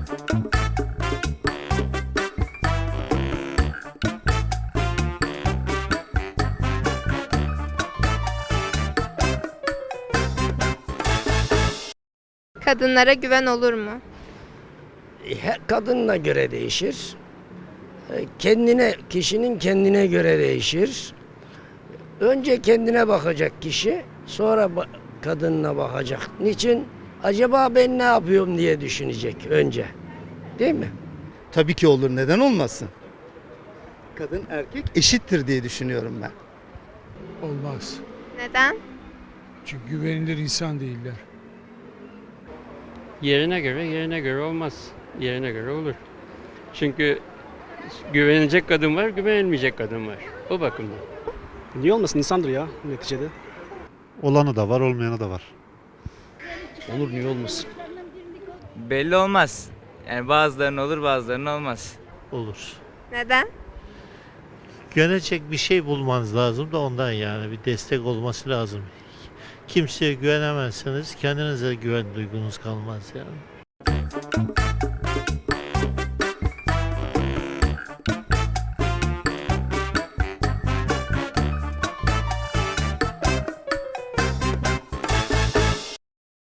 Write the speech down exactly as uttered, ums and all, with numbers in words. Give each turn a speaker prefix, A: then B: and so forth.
A: Kadınlara güven olur mu?
B: Her kadınla göre değişir. E, Kendine, kişinin kendine göre değişir. Önce kendine bakacak kişi, sonra ba- kadınına bakacak. Niçin? Acaba ben ne yapıyorum diye düşünecek önce. Değil mi?
C: Tabii ki olur. Neden olmasın? Kadın erkek eşittir diye düşünüyorum ben.
D: Olmaz.
A: Neden?
D: Çünkü güvenilir insan değiller.
E: Yerine göre yerine göre olmaz. Yerine göre olur. Çünkü güvenilecek kadın var, güvenilmeyecek kadın var. O bakımdan.
F: Niye olmasın, insandır ya neticede.
G: Olanı da var, olmayanı da var.
F: Olur, niye olmasın?
H: Belli olmaz. Yani bazılarının olur, bazılarının olmaz.
G: Olur.
A: Neden?
G: Güvenecek bir şey bulmanız lazım da ondan, yani bir destek olması lazım. Kimseye güvenemezseniz kendinize güven duygunuz kalmaz yani.